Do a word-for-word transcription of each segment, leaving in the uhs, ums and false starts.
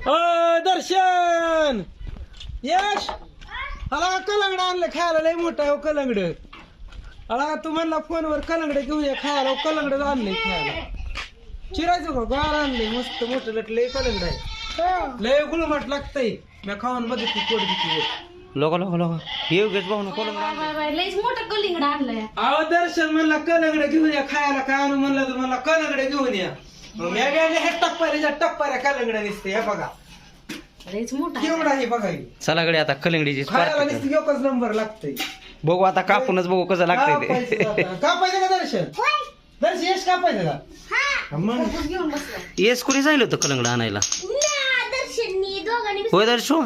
अ दर्शन यश आला कलंगड आणलं खायला लय मोठा आहे हो कलंगड आला तू म्हणला फोनवर कलंगड घेऊया खायला कलंगड आणलंय खायला चिरायचं का गार आणलंय मस्त मोठं लट लय कलंगड आहे लय गुळमट लागतंय मी खाऊन बघितली पोट किती लोक लोक लोक हे उगेच भाऊ नको लयच मोठं कलिंगड आणलंय. अहो दर्शन म्हणला कलंगड घेऊन या खायला काय आणू म्हणलं तर मला कलंगड घेऊन या मग मी गेले हे टप्पाऱ्याच्या टप्पाऱ्या कलंगड दिसते हे बघा लयच मोठा केवढा आहे बघा हे. चला कडे आता कलिंगडीची खायला नुसतं एकच नंबर लागतंय बघू आता कापूनच बघू कसं लागतंय ते कापायचं का दर्शन दर्शन यश कापायचं का मग घेऊन बसला. येस कुणी सांगितलं होतं कलंगड आणायला दर्शननी दोघांनी होय दर्शो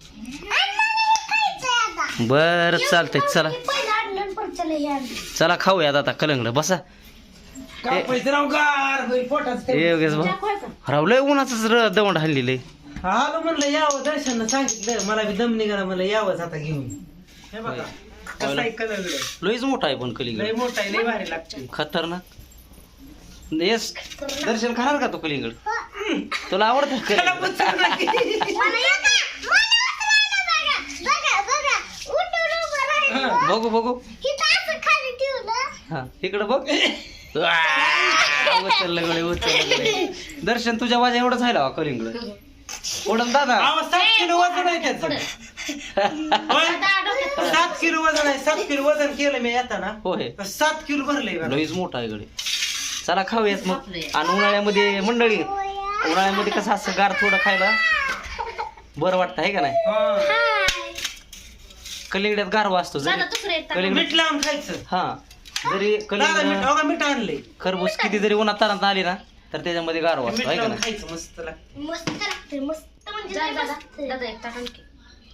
बर चालतंय चला चला खाऊयात आता कलंगड बसा कापायचं राव गार होईल पोटात हे उगेच भाऊ रावलंय उन्हाच दवंड हल्लेलं आलो म्हणलं यावं दर्शन सांगितलं मला बी दम निघाला म्हणलं यावंच आता घेऊन हे बघा कसं आहे कलंगड लयच मोठा आहे पण लय कलिंगड मोठा आहे लय भारी लागते खतरनाक येस दर्शन खाणार का तो कलिंगड तुला आवडतं कलिंगड बघू बघू हा इकडं बघ उचललं गडे उचललं गडे दर्शन तुझ्या वाजा एवढंच राहिला कलिंगड ओढम दादा अहो, सात किलो वजन आहे त्याचं होय? सात किलो वजन आहे सात किलो वजन केलं मी येताना होय तर सात किलो भरलंय बघा. लईच मोठा आहे गडे चला खाऊयात मग आणि उन्हाळ्यामध्ये मंडळी उन्हाळ्यामध्ये कसं असं गार थोडं खायला बरं वाटतं आहे का नाही हा. कलिंगड्यात गारवा असतो जरी कलिंगड मीठ लावून खायचं हा जरी दादा मीठ कलिंगड बघा मीठ आणलंय खरबूज किती जरी उन्हात तारात आली ना तर त्याच्यामध्ये गारवा मीठ असतो आहे का लावून नाही खायचं मस्त लागतं मस्त लागते मस्त म्हणजे दादा एक ताट आणखी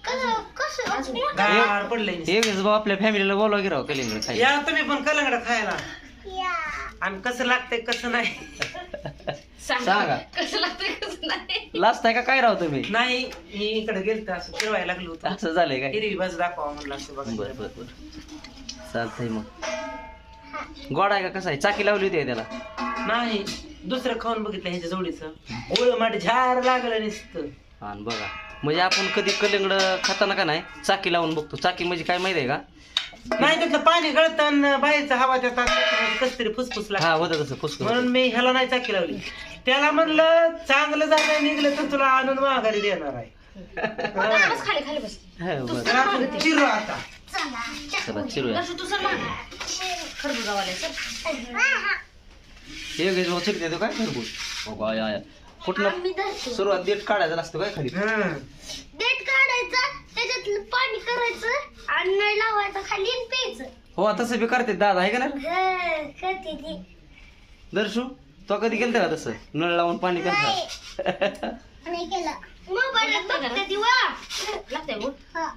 गार पडलंय नुसतं. हे भाऊ आपल्या फॅमिलीला बोलवा की राव कलिंगड खायला या तुम्ही पण कलंगड खायला आणि कसं लागतंय कसं नाही सांगा कसं लागतंय कसं नाही. लास्ट आहे का काय राव तुम्ही नाही मी इकडे गेलतो असं फिरवायला लागलो होतं असं झालंय काय हिरवी बाजू दाखवा म्हणलं असं बघा बर बर बर चालतंय मग गोड आहे का कसं आहे चाकी लावली होती का त्याला नाही दुसरं खाऊन बघितलं ह्याच्या जोडीचं गोळ माठ झार लागलं नुसतं हा न बघा म्हणजे आपण कधी कलिंगड खाताना का नाही चाकी लावून बघतो चाकी म्हणजे काय माहिती आहे का नाही त्यातलं पाणी गळतं आणि बाहेरचं हवा त्यात कस तरी फुसफुस लागतं हा होतं तसं फुसकं म्हणून मी ह्याला नाही चाकी लावली त्याला म्हणलं चांगलं झालं निघलं तर तुला आणून माघारी देणार आहे दादा बस खाली खाली बस. हा, बरं तर आपण चिरू आता चला चिरूया दर्शन तू सर मागे खरबुजावाले सर हे घेतो भाऊ चिरते तो काय खरबूज हो का या या कुठनं सुरुवात देठ काढायचा असतो काय खाली हं. देठ काढायचं त्याच्यात पाणी करायचं आणि नळ लावायचं खाली आणि प्यायचं. हो तसं बी करते दादा आहे का नाही करते ती दर्शू तो कधी केलं का तसं नळ लावून पाणी करता नाही केलं मोबाईल बघते ती वा लागते बोल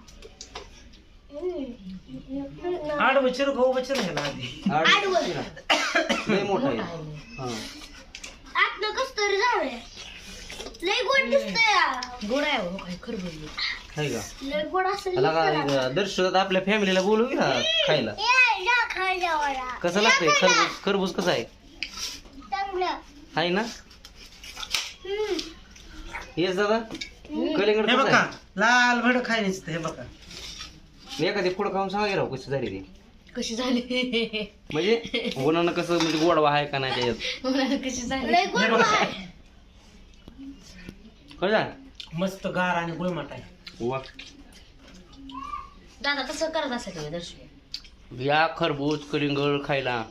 आडवं चिरू का उभं चिरू ह्याला आधी लय मोठा आहे हा आतनं कस तरी जाऊया लय गोड दिसतंय गोड आहे हो काय खरबुज आहे का लय गोड असेल आला का दर्शू आता आपल्या फॅमिलीला बोलू की ना खायला कसं लागतंय खरबूज खरबूज कसं आहे चांगलं आहे ना येस दादा कलिंगड हे कसं बघा आहे लाल भड खाय नुसतं हे बघा एखादी पुढं खाऊन सांगा की राव कशी झाली ती कशी झाली म्हणजे उन्हानं कसं म्हणजे गोडवा आहे का नाही त्याच्यात कशी झाली लय गोड आहे कळलं मस्त गार आणि गुळमट आहे वा दादा तसं करत असेल दर्शन या खरबूज कलिंगड खायला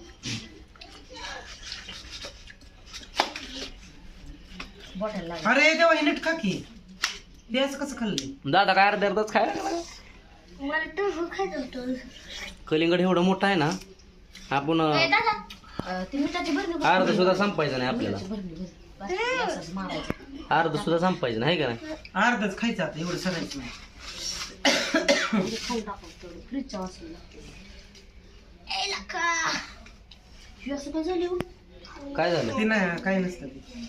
बॉटल लाग अरे तेव्हा हे नीट खा की ते असं कसं खाल्ले दादा काय अर्ध्या अर्धाच खायला लागला. मला टोफू खायचं होतं कलिंगड एवढं मोठं आहे ना आपण ए, दादा ती मिठाची भरणी अर्ध सुद्धा संपायचं नाही आपल्याला भरणी भरणी बस, असंच मारायचं. अर्ध सुद्धा संपायचं नाही का नाही अर्धच खायचं आता एवढं सगळ्याच नाही म्हणजे खाऊन टाकू तेवढं फ्रीजच्या वाचून ए लका हे असं काय झालं हो? काय झालं ते नाही काही नसतं ते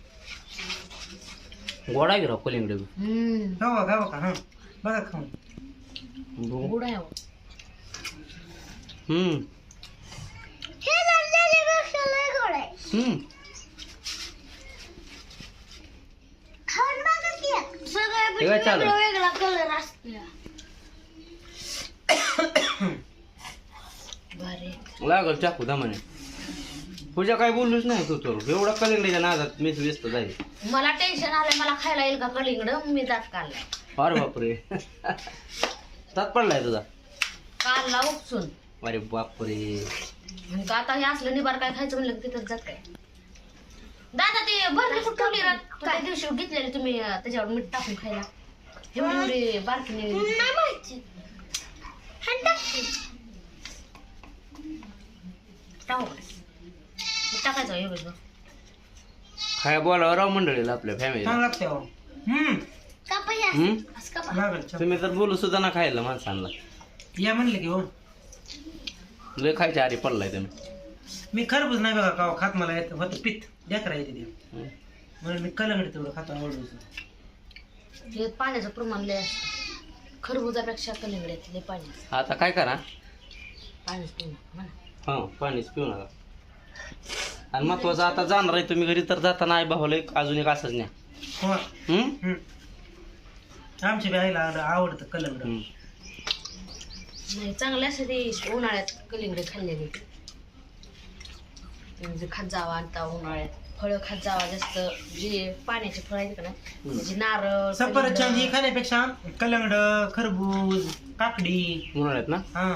गोडा गिराव कलिंगड हम्म खावा खावा का हा बघा खाऊन बघू. गोड आहे हो. हम्म हे झालेल्यापेक्षा लय गोड आहे हम्म खाऊन बघा की एक. हे काय चालू वेगळा कलर असतो भारी लागल चाकू दमाने. पूजा काय बोललोच नाही तू तर एवढा कलिंगडीच्या नादात मीच व्यस्त जाईल. मला टेन्शन आलंय मला खायला येईल का कलिंगड मी दात काढलाय. अरे बापरे तात पडलाय तुझा. काढला उपसून अरे बापरे. आणि का आता हे असलं निबार काय खायचं म्हणलं की तिथंच जात काय. दादा ते भरली कुठं ठेवली ना त्या दिवशी घेतलेली तुम्ही अं, त्याच्यावर मीठ टाकून खायला एवढी एवढी बारकीने टाकू टाकायचं एवढं काय बोलावं राव मंडळीला आपल्या फॅमिली. छान लागते हो. हम्म असं का लागल छान. तुम्ही तर बोलू सुद्धा ना खायला माणसांना. या म्हणले की हो लय खायच्या आरी पडलाय तुम्ही. मी खरबूज नाही बघा का खात मला येत होतं पित्त देखरा येते ते हं. म्हणून मी कलंगड तेवढं खातो आवडून. हे पाण्याचं प्रमाण लय असतं खरबुजापेक्षा कलिंगड्यात लय पाणी असतं. आता काय करा पाणीच पिऊ नका म्हणा. हा पाणीच पिऊ नका. आणि महत्वाचं आता जाणार आहे तुम्ही घरी तर जाताना आई भावाला एक अजून एक असंच न्या. हो हम्म? हम्म. आमच्या बी आईला आवड- आवडतं कलंगड. हम्म. नाही चांगले असते ते उन्हाळ्यात कलिंगडे खाल्लेले म्हणजे खात जावा आता उन्हाळ्यात फळं खात जावा जास्त जे पाण्याचे फळ आहेत का ना म्हणजे नारळ सफरचंद ही खाण्यापेक्षा कलंगड खरबूज काकडी उन्हाळ्यात ना हा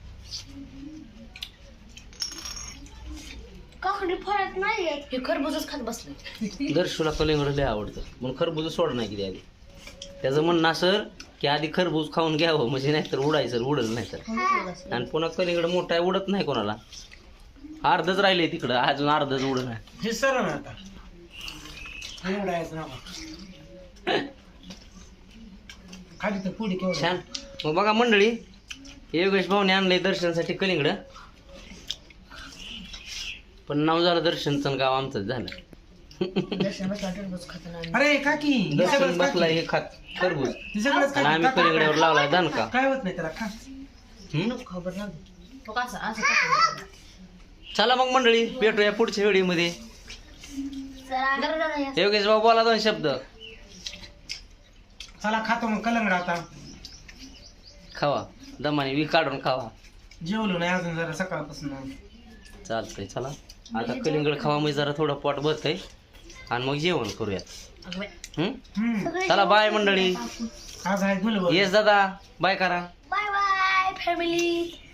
काकडी फळात नाही हे खरबूजच खात बसले. दर्शूला कलिंगड लय आवडतं म्हणून खरबूज सोड नाही किती आधी. त्याचं म्हणणं असं की आधी खरबूज खाऊन घ्यावं म्हणजे नाहीतर उडायचं उडत नाही तर. आणि पुन्हा कलिंगड मोठा आहे उडत नाही कोणाला. अर्धच राहिले तिकडं अजून अर्धच उडत नाही. हे सरळ ना आता हे उडायचं नका खाली तर पुढे केवढं छान. मग बघा मंडळी योगेश भाऊने आणलंय दर्शनासाठी कलिंगड. पण नाव झालं दर्शनचं गाव आमचंच झालं. दर्शन बसला टरबूज खात नाही. अरे काकी हे दर्शन सगळंच बसलाय काकी. हे खात खरबूज हे सगळंच आणि काकी. आम्ही कलिंगड्यावर लावलाय दणका. काय होत नाही त्याला खा. हम्म? खबर नाही तो कसं असं टाकून चला मग मंडळी भेटूया पुढच्या व्हिडिओमध्ये. योगेश भाऊ बोला दोन शब्द. चला खातो मग कलंगड आता. खावा दमाने वी काढून खावा. जेवलो नाही अजून जरा सकाळपासून. चालतंय चला आता कलिंगड खावा म्हणजे जरा थोडं पोट भरतंय आणि मग जेवण करूयात. हम्म? हम्म चला बाय मंडळी. आज आहे गुलबर. येस दादा बाय करा. Bye bye family.